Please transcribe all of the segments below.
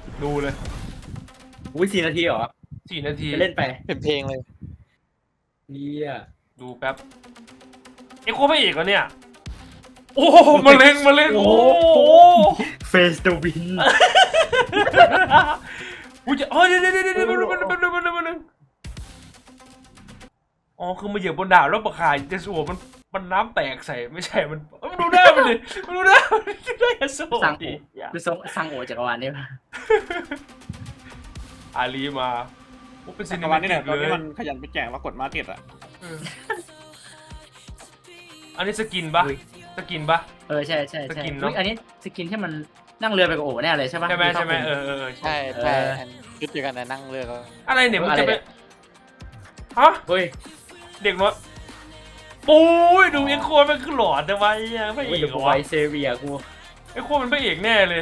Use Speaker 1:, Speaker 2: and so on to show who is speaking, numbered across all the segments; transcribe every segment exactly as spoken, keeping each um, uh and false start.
Speaker 1: ดูเลย
Speaker 2: อุ้ยสี่นาทีเหรอ
Speaker 1: สี่นาที
Speaker 2: จะเล่นไป
Speaker 3: เป็นเพลงเลย
Speaker 2: เฮีย
Speaker 1: ดูแป๊บเอ็กโคพระเอกเหรอเนี่ยโอ้โหมาเล่นมาเล่นโอ้โห
Speaker 2: เฟสเดวิน
Speaker 1: อุ้ยจะเฮ้ยเดี๋ยวเดี๋ยวเดี๋ยวเดี๋ยวมันมันมันมันมันมันอ๋อคือมาเหยียบบนดาวแล้วปะขายเจสโอมันมันน้ำแตกใส่ไม่ใช่มันมันดูหน้ามันดิมันดูหน้ามันได้ยาโซ่
Speaker 2: สั่งโอ
Speaker 1: ดิ
Speaker 2: คือส่งสั่งโอจักรวาลนี่ปะ
Speaker 1: อาลีมาโอ้เป็นซิ
Speaker 4: จั
Speaker 1: นิ
Speaker 4: กร
Speaker 1: เม
Speaker 4: วาลนี่
Speaker 1: ติ
Speaker 4: แหละ
Speaker 1: ก
Speaker 4: ตอน
Speaker 1: เล
Speaker 4: นี้
Speaker 1: ย
Speaker 4: มันขยันไปแจกว่ากดมาร์เก็ตอ่ะ
Speaker 1: อันนี้สกินปะสกินปะ
Speaker 2: เออใช่ใช่
Speaker 1: ส
Speaker 2: ใช่
Speaker 1: กินเนอะ
Speaker 2: อุ๊ยอันนี้สกินที่มันนั่งเรือไปกับโอแน่เลยใช่ปะ
Speaker 1: ใช่ไหมใช่ไหมเออเออ
Speaker 3: ใช่ใช่อันชุดเดียวกันนะนั่งเรือก็
Speaker 1: อะไรเนี่ยมึงจะไปฮะ
Speaker 2: เฮ้ย
Speaker 1: เด็กน้อยปุ้ยดูเอ็กโคมันคือหลอดทำไมอ่ะพระเอ
Speaker 2: เฮ้ย
Speaker 1: ก
Speaker 2: เดี๋ยว
Speaker 1: เหร
Speaker 2: กู
Speaker 1: อ
Speaker 2: ไว
Speaker 1: วะ
Speaker 2: เซเวียกู
Speaker 1: เอ็กโคมันพระเอกแน่เลย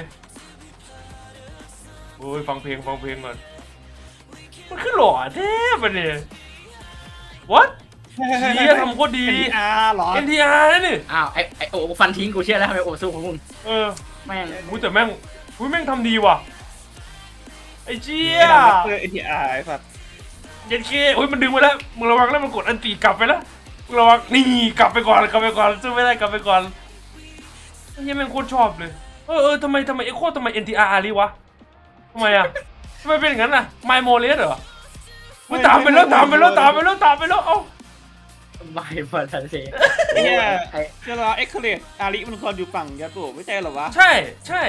Speaker 1: โอ้ยฟังเพลงฟังเพลงก่อนมันคือหล่อแท้ปะเนี่ย what เชียทำโคตรดี
Speaker 4: อาร์หรอ
Speaker 1: เอ็น ที อาร์ นั่นนี่
Speaker 2: อ้าวไอไอโอฟันทิ้งกูเชื่อแล้วทำไมโอสู้ของมึง
Speaker 1: เออ
Speaker 2: แม่ง
Speaker 1: อุ้ยแต่แม่งอุ้ยแม่งทำดีว่ะไอ้เจี๊ย
Speaker 4: เออเอทีอาร์ไอ้สัตว์
Speaker 1: เย็นเคอุ้ยมันดึงไปแล้วมึงระวังแล้วมันกดอันตีกลับไปแล้วมึงระวังนี่กลับไปก่อนกลับไปก่อนสู้ไม่ได้กลับไปก่อนไอ้เหี้ยแม่งโคตรชอบเลยเออเออทำไมทำไมเอ็กโคทำไม เอ็น ที อาร์ ลีวะทำไมอ่ะทำไมเป็นอย่างนั้นอ่ะไมโมเลสเหรอมึงตามไปแล้วตามไปแล้วตามไปแล้วตามไปแล้วเอ้า
Speaker 2: ไม่พอทันเซ
Speaker 4: ไอ้เหี้ย
Speaker 2: ไอ
Speaker 4: เจ้าเอ็กเคเลตอาริมันควรอยู่ฝั่งยาโตะไม่ใช่เหรอวะ
Speaker 1: ใช่ใช่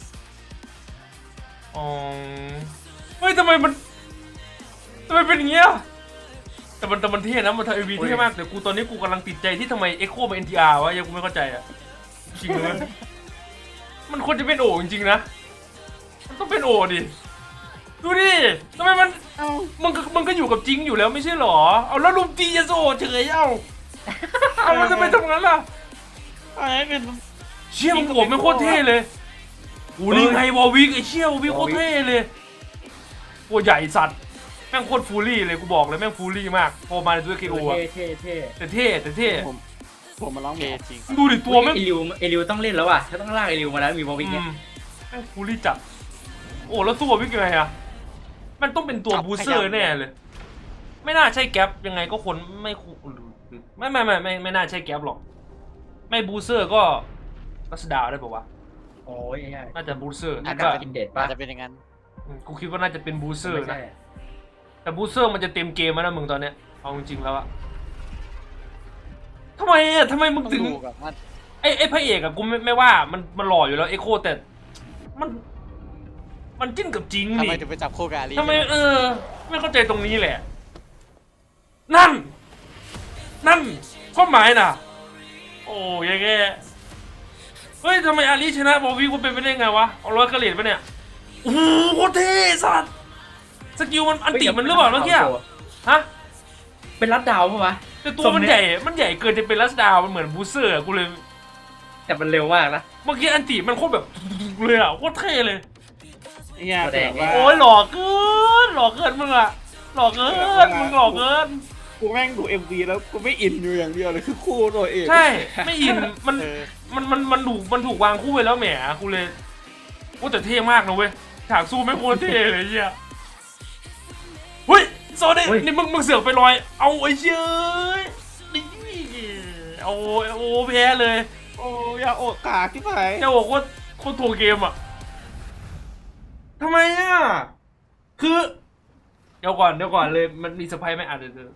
Speaker 1: อ๋อเฮ้ยทำไมมันทำไมเป็นอย่างเงี้ยแต่มันแต่มันเท่นะมันทำเอวีเท่มากแต่กูตอนนี้กูกำลังติดใจที่ทำไมเอ็กโคเป็น เอ็น ที อาร์ วะยังกูไม่เข้าใจอ่ะจริงเลยมันควรจะเป็นโอจริงๆนะมันต้องเป็นโอดิดูดิทำไมมัน
Speaker 4: เอ้า
Speaker 1: มันก็มันก็อยู่กับจริงอยู่แล้วไม่ใช่หรอเอาแล้วลุมตียาโซเฉยเอ้าเอามันจะไปทำงั้นล่ะ
Speaker 4: อะไรเป็น
Speaker 1: เชี่ยมันโอบไม่โคตรเท่เลยโอ้นี่ไงวอลวิกไอ้เชี่ยวอลวิกโคตรเท่เลยตัวใหญ่สัตว์แม่งโคตรฟูลี่เลยกูบอกเลยแม่งฟูลี่มากพอมาในตัวเคโอ
Speaker 2: เท่เท่เท่
Speaker 1: แต่เท่แต่เท่
Speaker 4: ผมผมมาร้อง
Speaker 3: เพ
Speaker 4: เพ
Speaker 3: ล
Speaker 4: ล
Speaker 3: ง
Speaker 4: ง
Speaker 3: จริง
Speaker 1: ดูดิตัวแม่ง
Speaker 2: เอลิวเอลิวต้องเล่นแล้วว่ะถ้าต้องลากเอลิวมาแล้วมีบอลวิก
Speaker 1: อื
Speaker 2: เนี่ย
Speaker 1: มแม่งฟูลี่จัดโอ้แล้วสู้วอลวิกยังไงอะมันต้องเป็นตัวบูสเซอร์แน่เลย ไม่น่าใช่แก๊ปยังไงก็คนไม่คูไม่ไม่ไม่ไม่ไม่น่าใช่แก๊ปหรอกไม่บูสเซอร์ก็รัสดาวได้ป่าวะ
Speaker 2: โอ้ยไอ้
Speaker 1: น่าจะบูสเซอร์
Speaker 2: อา
Speaker 1: นี่
Speaker 2: กา
Speaker 1: ก็
Speaker 2: ศกินเด็ด
Speaker 3: อา
Speaker 2: ปะ
Speaker 3: จจะเป็นอย่างนั้น
Speaker 1: อืมกูคิดว่าน่าจะเป็นบูสเซอร์
Speaker 2: ไม่
Speaker 1: นะ
Speaker 2: ใช่
Speaker 1: แต่บูสเซอร์มันจะเต็มเกมแล้วนะมึงตอนเนี้ยเอาจริงๆแล้วอะทำไมอะทำไมมึง
Speaker 3: ต้อง
Speaker 1: ถึง
Speaker 3: ดูกับว่า
Speaker 1: ไอ้ไอ้พระเอกอะกูไม่ไม่ว่ามันมันหล่ออยู่แล้วเอ็กโคแต่มัน มันจิ้นกับจริง
Speaker 3: ทำ
Speaker 1: นี่
Speaker 3: ไมถึงไปจับคู่กับอาลี
Speaker 1: ทำไมเออ ไม่เข้าใจตรงนี้แหละ นั่น นั่นข้อหมายน่ะ โอ้ยแกเฮ้ยทำไมอาลีชนะบอลวีกูเป็นไปได้ไงวะเอาร้อยกระเหรียญปะเนี่ยโอ้โหโคตรเท่สัสสกิลมันอันติมันหรือเปล่าเมื่อกี้อะฮะ
Speaker 2: เป็นรัดดาวปะวะ
Speaker 1: แต่ตัวมันใหญ่ มันใหญ่เกินจะเป็นลัสดาวมันเหมือนบูสเซอร์อะกูเลย
Speaker 2: แต่มันเร็วมากนะ
Speaker 1: เมื่อกี้อันติมันโคตรแบบเลยอะโคตรเท่เลย
Speaker 4: ไอ้เหี้ยแบบว่า
Speaker 1: โอ้ยหล่อเกินหล่อเกินมึงอะหล่อเกินมึงหล่อเกิน
Speaker 4: กูแม่งดูเอ็มวีแล้วกูไม่อินอยู่อย่างเดียวเลยคือคู่ตัวเอง
Speaker 1: ใช่ไม่อินมัน
Speaker 3: เออ
Speaker 1: มันมันมันถูกมันถูกวางคู่ไว้แล้วแหมกูเลยโอ้แต่เท่มากนะเว้ยฉากสู้ไม่งโคตรเท่เลยเฮียเฮ้ยโซเดนี่มึงมึงเสือกไปลอย เอาไอ้เชี่ยนี่เอาโอ้แพ้เลย
Speaker 4: โอ้ยาโอกาที่ไหน
Speaker 1: จะบอกว่าโคตรถ่วงเกมอ่ะทำไมอ่ะคือเดี๋ยวก่อนเดี๋ยวก่อนเลยมันมีสไปไหมอ่ะเดี๋ยวเดี๋ยว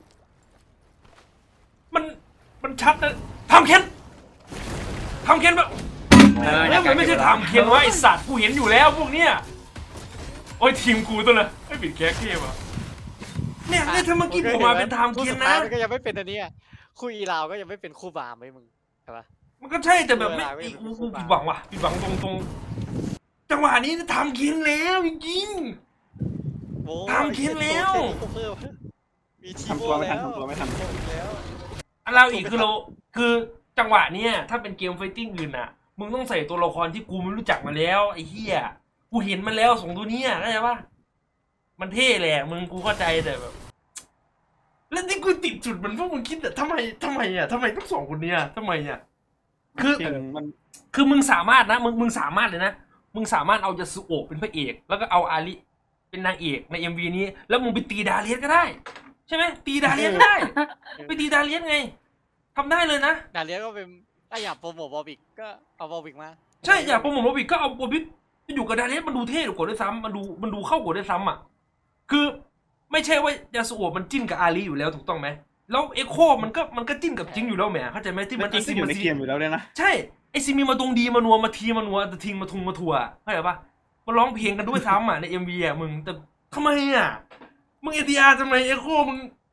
Speaker 1: มันมันชัดนะทำเค้นทำเค้นแบบ
Speaker 2: เออ
Speaker 1: แล้วมันไม่ใช่ทำเค้นวะไอสัตว์กูเห็นอยู่แล้วพวกเนี้ยโอ้ยทีมกูตัวละไอ้ปิดแก๊กเกมอ่ะเนี่ยเนี่ยถ้าเมื่อกี้ผมมาเป็นทำ
Speaker 3: คู่
Speaker 1: เค้
Speaker 3: สุ
Speaker 1: น
Speaker 3: ดท้า
Speaker 1: นะ
Speaker 3: ยมันก็ยังไม่เป็นอันเนี้ยคู่อีลาวก็ยังไม่เป็นคู่บามไหมมึงใช่ปะ
Speaker 1: มันก็ใช่แต่แบบไม่
Speaker 3: เวลาไม่เป็น
Speaker 1: โอ้โห
Speaker 3: คู่
Speaker 1: ผิ
Speaker 3: บ้า
Speaker 1: ดหวังว่ะผิดหวังตรงตรงจังหวะนี้ทำเค้นแล้วจริง
Speaker 3: โอ้
Speaker 1: ทำเค้นแล้ว
Speaker 3: เพิ่มมีที
Speaker 4: ทำตัวไม่ทันทำตัวไม่ทัน
Speaker 3: แล้ว
Speaker 1: ๆอันเราอีกคือเราคือจังหวะเนี้ยถ้าเป็นเกมไฟติ้งอื่นอ่ะมึงต้องใส่ตัวละครที่กูไม่รู้จักมาแล้วไอ้เหี้ยกูเห็นมันแล้วสองตัวเนี้ยเข้าใจปะมันเท่แหละมึงกูเข้าใจแต่แบบแล้วที่กูติดจุดมันพวกมึงคิดแต่ทำไมทำไมอ่ะทำไมต้องสองคนเนี้ยทำไมอ่ะคือ
Speaker 4: จริงมัน
Speaker 1: คือมึงสามารถนะมึงมึงสามารถเลยนะมึงสามารถเอายาสุโอะเป็นพระเอก แล้วก็เอาอาริเป็นนางเอกใน เอ็ม วี นี้ แล้วมึงไปตีดาเลียสก็ได้ ใช่ไหมตีดาเลียสก็ได้ ไปตีดาเลียสไงทำได้เลยนะ
Speaker 3: ดาเลียก็เป็นถ้าอยากโปรโมทบอบิกก็เอาบอบิกมา
Speaker 1: ใช่อยากโปรโมทโรบิกก็เอาโรบิกไปอยู่กับดาเลียสมันดูเท่กว่าด้วยซ้ำมันดูมันดูเข้ากว่าด้วยซ้ำอ่ะคือไม่ใช่ว่ายาสุโอะมันจิ้นกับอาริอยู่แล้วถูกต้องไหมแล้วเอ็กโคมันก็มันก็จิ้นกับจิงอยู่แล้วแหมเข้าใจไหมที่
Speaker 4: มั
Speaker 1: มัน น
Speaker 4: จริงก็อยู่ในเกมอยู่แล้วเลยนะ
Speaker 1: ใช่ไอซีมีมาตรงดีมานัวมาทีมานัวแต่ทิงมาทุงมาทัวเข้าใจปะมาร้องเพลงกันด้วยซ้ำอ่ะในเอ็มวีอ่ะมึงแต่ทำไมอ่ะมึงเอทีอาร์ทำไมเอ็กโคมึง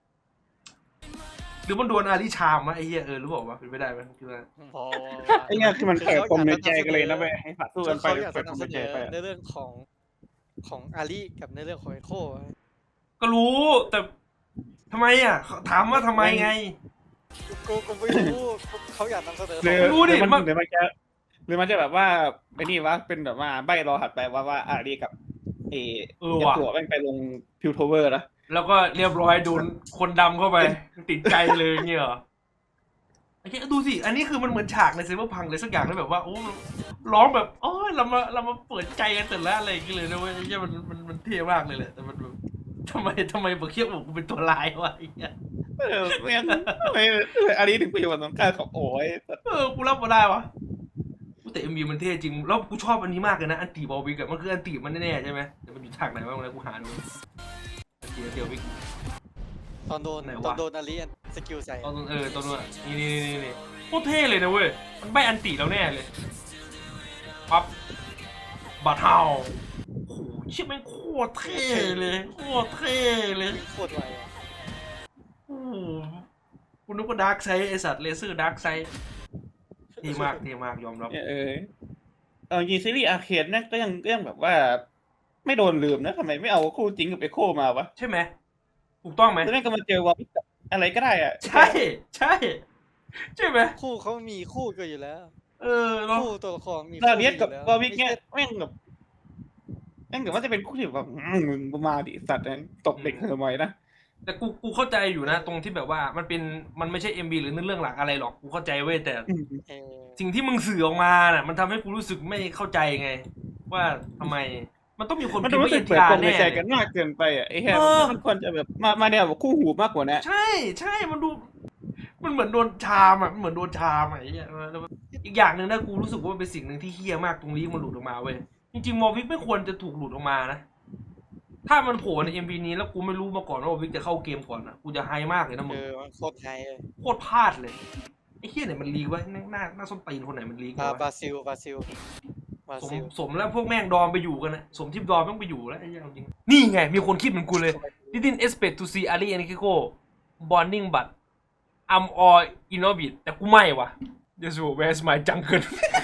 Speaker 1: หรือมันโดนอาริชามวะไอ้เหี้ยเออรู้บอกว่าเป็นไปได้ไหมคือว่า
Speaker 3: พอ
Speaker 4: ไอ้เนี่ยคือมันเปิดปมในใจกันเลยนะไปให้ผัดสู้กันไป
Speaker 3: เขาอยาก
Speaker 4: เปิ
Speaker 3: จะ
Speaker 4: ดปม
Speaker 3: นำเส
Speaker 4: ใน
Speaker 3: น
Speaker 4: ใจ
Speaker 3: อ
Speaker 4: ไป
Speaker 3: ในเรื่องของของอาลีกับในเรื่องของเอโค
Speaker 1: ก็รู้แต่ทำไมอ่ะถามว่าทำไมไง
Speaker 3: กูกูไม่รู้เขาอยากนำเสนอ
Speaker 4: หรือ
Speaker 1: รู้ดิ
Speaker 4: หรือมัน
Speaker 1: มัน
Speaker 4: หรือมันจะหรือมันจะแบบว่าไอ้นี่วะเป็นแบบว่าใบรอหัดไปว่าว่าอารีกับเอ
Speaker 1: เออ
Speaker 4: ยั
Speaker 1: ว่ะ
Speaker 4: ตัวแม่งไปลงพิวโทเวอร์นะ
Speaker 1: แล้วก็เรียบร้อยโดนคนดำเข้าไปติดใจเลยเงี้ยเหรอไอ้เหี้ยดูสิอันนี้คือมันเหมือนฉากในเซเบอร์พังเลยสักอย่างเลยแบบว่าโอ้ร้องแบบโอ้ยเรามาเรามาเปิดใจกันแต่ละอะไรอย่างเงี้ยเลยนะเว้ยไอ้เหี้ยมันมันมันเท่มากเลยแหละแต่มันแบบทำไมทำไมบอกเคียบบอกกูเป็นตัวลายวะไอ้เงี้ย
Speaker 4: เออไม่งั้นทำไมอารีถึงไปอยู่กับน้องกาของโอ้ย
Speaker 1: เออกูรับมาได้วะแต่เอ็มวีมันเท่จริงแล้วกูชอบอันนี้มากเลยนะอันตีบอลวิกอะมันคืออันตีมันแน่ๆใช่ไหมแต่มันอยู่ฉากไหนบ้างนะกูหาดูอันตีอันตีบอลวิก
Speaker 3: ตอนโดน
Speaker 1: ไหนวะ
Speaker 3: ตอนโดนอาลีสกิลใส่
Speaker 1: ตอนเออตอนนู้นอะนี่นี่นี่นี่โคตรเท่เลยนะเว้ยมันใบอันตีแล้วแน่เลยปั๊บบาทเฮาโอ้โหเชี่ยแม่งโคตรเท่เลยโคตรเท่เลย
Speaker 3: โคตรไวอะ
Speaker 1: โอ้โหคุณนึกว่าดาร์กไซด์ไอสัตว์เลเซอร์ดาร์กไซด์เท่มากเท่มากยอมรับ
Speaker 4: เออเออยีซีรีส์อาร์เคดเนี่ยก็ยังก็ยังแบบว่า ไม่โดนลืมนะทำไมไม่เอาคู่จริงกับเอโคมาวะ
Speaker 1: ใช่ไหมถูกต้องไหม
Speaker 4: แล้วแม่งก็มาเจอวอลอะไรก็ได้อะ
Speaker 1: ใช่ใช่ใช่ไหม
Speaker 3: คู่เขามีคู่กันอยู่แล้ว
Speaker 1: เออเนาะ
Speaker 3: คู่ตัวละครมี
Speaker 4: ดาเลียสกับ
Speaker 3: อยู่
Speaker 4: วอลวิกเนี่ยแม่งแบบแม่งแบบว่าจะเป็นคู่ที่แบบอืมมึงมาดิสัตว์นะตบเด็กทำไมนะ
Speaker 1: แต่กูกูเข้าใจอยู่นะตรงที่แบบว่ามันเป็นมันไม่ใช่ เอ็ม บี หรือเรื่องหลักอะไรหรอกกูเข้าใจเว้ยแต่
Speaker 4: อืม
Speaker 3: เออ
Speaker 1: สิ่งที่มึงสื่อออกมาน่ะมันทำให้กูรู้สึกไม่เข้าใจไง ว่าทำไมมันต้องมีคน
Speaker 4: มัน
Speaker 1: พิ
Speaker 4: ดู
Speaker 1: มพ์
Speaker 4: รู้
Speaker 1: ว่า
Speaker 4: สึ
Speaker 1: เอ็
Speaker 4: ก
Speaker 1: น
Speaker 4: เปิ
Speaker 1: ที
Speaker 4: ด
Speaker 1: อา
Speaker 4: ป
Speaker 1: ร์
Speaker 4: มใน
Speaker 1: แน่
Speaker 4: ใจ
Speaker 1: เลย
Speaker 4: กันมากเกินไปอ่ะไอ้แค่
Speaker 1: เออ
Speaker 4: มันควรจะแบบมามาแนวแบบคู่หูมากกว่านะ
Speaker 1: ใช่ใช่มันดูมันเหมือนโดนชามอ่ะมันเหมือนโดนชามอ่ะไอ้เหี้ยแล้วอีกอย่างหนึ่งนะกูรู้สึกว่ามันเป็นสิ่งหนึ่งที่เฮี้ยมากตรงนี้มันหลุดออกมาเว้ยจริงๆมอวิกไม่ควรจะถูกหลุดออกมานะถ้ามันโผล่ใน เอ็ม วี นี้แล้วกูไม่รู้มาก่อนว่ามอวิกจะเข้าเกมก่อนอ่ะกูจะไฮมากเลยนะมึ
Speaker 3: เอง อมันโคตรไฮเลย
Speaker 1: โคตรพลาดเลยไอ้เฮี้ยไหนมันลีกวะหน้าหน้าหน้าส้นตีนคนไหนมันลีก
Speaker 3: บาว
Speaker 1: ะ
Speaker 3: บราซิลบราซิลบรา
Speaker 1: สม
Speaker 3: ซิล
Speaker 1: สมแล้วพวกแม่งดอมไปอยู่กันนะสมที่ดอมแม่งไปอยู่แล้วไอ้เหี้ยเอาจริงนี่ไงมีคนคิดเหมือนกูเลย didn't expect to see Ali and Kiko bonding but I'm all in orbit แต่กูไม่ว่ะ Yes where's my jungle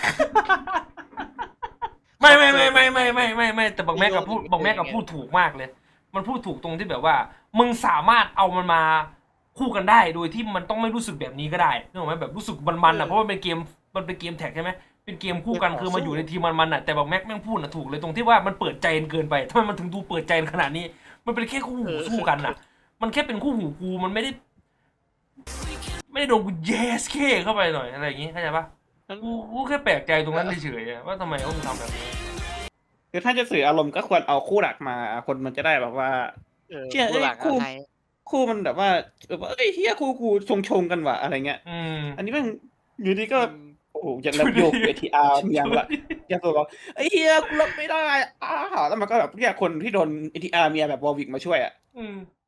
Speaker 1: ไม่ไม่ไม่ไม่ไม่ไม่ไม่ไม่แต่บักแม่กับพูดบักแม่กับพูดถูกมากเลย มันพูดถูกตรงที่แบบว่า มึงสามารถเอามันมาคู่กันได้โดยที่มันต้องไม่รู้สึกแบบนี้ก็ได้นึกออกไหมแบบรู้สึกมันๆอ่ะเพราะมันเป็นเกมมันเป็นเกมแท็กใช่ไหมเป็นเกมคู่กันคือมาอยู่ในทีมมันๆอ่ะแต่บักแม็กแม่งพูดน่ะถูกเลยตรงที่ว่ามันเปิดใจเกินไปทำไมมันถึงดูเปิดใจขนาดนี้ มันเป็นแค่คู่หูสู้กันน่ะ มันแค่เป็นคู่หูกูมันไม่ได้ ไม่ได้โดนกูแยสเคเข้าไปหน่อยอะไรอย่างงี้เข้าใจปะกูกูแค่แปลกใจตรงนั้นเฉยๆอะว่าทำไมเขาถึงทำแบบนี้
Speaker 4: คือถ้าจะสื่ออารมณ์ก็ควรเอาคู่หลักมา คนมันจะได้แบบว่า
Speaker 3: เออ
Speaker 4: เชี่ย
Speaker 3: คู่หลัก
Speaker 4: เอ้ยคู่
Speaker 3: ไฮ
Speaker 4: คู่มันแบบว่าแบบว่าเอ้ยเฮียคู่กูชงชงๆกันว่ะอะไรเงี้ย
Speaker 1: อืม
Speaker 4: อันนี้แม่งอยู่ดีก็
Speaker 3: อืม
Speaker 4: โอ้โหอย่างรับโยกเอทีอาร์อย่างละอย่างตัวบอกไอ้เฮียกูรับไม่ได้อ้าวแล้วมันก็แบบเรียกคนที่โดนเอทีอาร์เมียแบบวอลวิกมาช่วยอ่ะ
Speaker 1: อืม